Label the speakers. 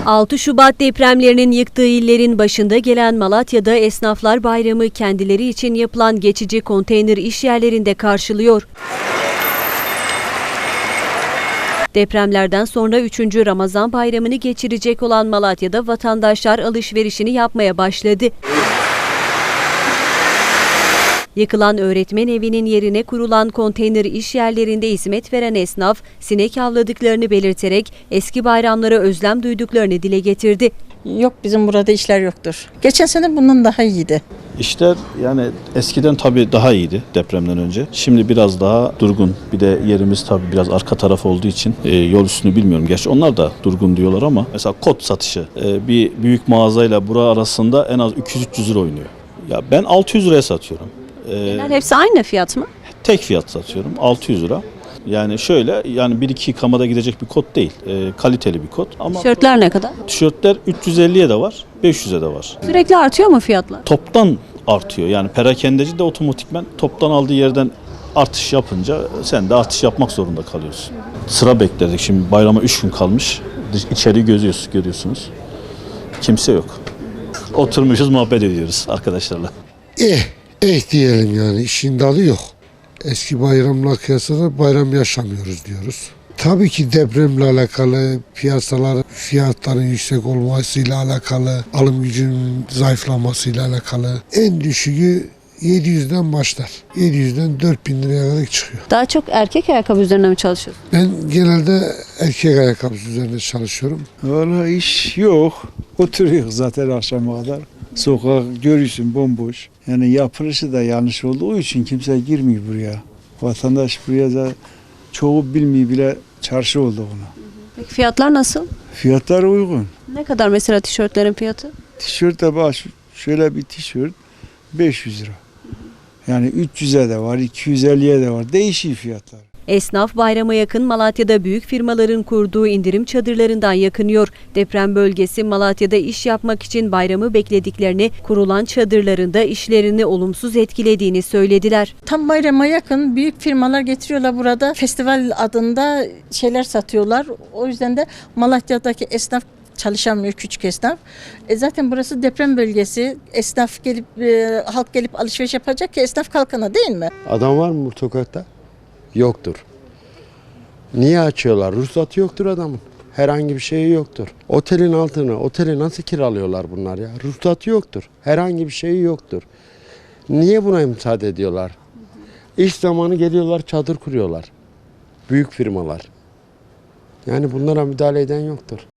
Speaker 1: 6 Şubat depremlerinin yıktığı illerin başında gelen Malatya'da Esnaflar Bayramı kendileri için yapılan geçici konteyner iş yerlerinde karşılıyor. Depremlerden sonra 3. Ramazan Bayramı'nı geçirecek olan Malatya'da vatandaşlar alışverişini yapmaya başladı. Yıkılan öğretmen evinin yerine kurulan konteyner iş yerlerinde hizmet veren esnaf, sinek avladıklarını belirterek eski bayramlara özlem duyduklarını dile getirdi.
Speaker 2: Yok, bizim burada işler yoktur. Geçen sene bundan daha iyiydi.
Speaker 3: İşler yani eskiden tabii daha iyiydi depremden önce. Şimdi biraz daha durgun. Bir de yerimiz tabii biraz arka taraf olduğu için yol üstünü bilmiyorum. Gerçi onlar da durgun diyorlar ama mesela kot satışı bir büyük mağazayla bura arasında en az 200-300 lira oynuyor. Ya ben 600 liraya satıyorum.
Speaker 1: Genel hepsi aynı fiyat mı?
Speaker 3: Tek fiyat satıyorum 600 lira. Yani şöyle yani 1-2 yıkamada gidecek bir kot değil. Kaliteli bir kot. Ama
Speaker 1: Tişörtler ne kadar?
Speaker 3: tişörtler 350'ye de var, 500'e de var.
Speaker 1: Sürekli artıyor mu fiyatlar?
Speaker 3: Toptan artıyor. Yani perakendeci de otomatikmen toptan aldığı yerden artış yapınca sen de artış yapmak zorunda kalıyorsun. Sıra bekledik. Şimdi bayrama 3 gün kalmış. İçeriği görüyorsunuz. Kimse yok. Oturmuşuz, muhabbet ediyoruz arkadaşlarla.
Speaker 4: Diyelim yani, işin dalı yok. Eski bayramla kıyasla bayram yaşamıyoruz diyoruz. Tabii ki depremle alakalı, piyasalar fiyatların yüksek olmasıyla alakalı, alım gücünün zayıflamasıyla alakalı. En düşüğü 700'den başlar. 700'den 4000 liraya kadar çıkıyor.
Speaker 1: Daha çok erkek ayakkabı üzerine mi çalışıyorsun?
Speaker 4: Ben genelde erkek ayakkabısı üzerinde çalışıyorum.
Speaker 5: Vallahi iş yok. Oturuyoruz zaten akşama kadar. Sokak görüyorsun bomboş. Yani yapılışı da yanlış olduğu için kimse girmiyor buraya. Vatandaş buraya da çoğu bilmiyor bile çarşı oldu ona.
Speaker 1: Peki fiyatlar nasıl?
Speaker 5: Fiyatlar uygun.
Speaker 1: Ne kadar mesela tişörtlerin fiyatı?
Speaker 5: Tişört de baş, şöyle bir tişört 500 lira. Yani 300'e de var, 250'ye de var. Değişiyor fiyatlar.
Speaker 1: Esnaf bayrama yakın Malatya'da büyük firmaların kurduğu indirim çadırlarından yakınıyor. Deprem bölgesi Malatya'da iş yapmak için bayramı beklediklerini, kurulan çadırlarında işlerini olumsuz etkilediğini söylediler.
Speaker 2: Tam bayrama yakın büyük firmalar getiriyorlar burada. Festival adında şeyler satıyorlar. O yüzden de Malatya'daki esnaf çalışamıyor, küçük esnaf. Zaten burası deprem bölgesi. Esnaf gelip, halk gelip alışveriş yapacak ki esnaf kalkana, değil mi?
Speaker 6: Adam var mı bu sokakta? Yoktur. Niye açıyorlar? Ruhsatı yoktur adamın. Herhangi bir şeyi yoktur. Otelin altını, oteli nasıl kiralıyorlar bunlar ya? Ruhsatı yoktur. Herhangi bir şeyi yoktur. Niye buna müsaade ediyorlar? İş zamanı geliyorlar, çadır kuruyorlar. Büyük firmalar. Yani bunlara müdahale eden yoktur.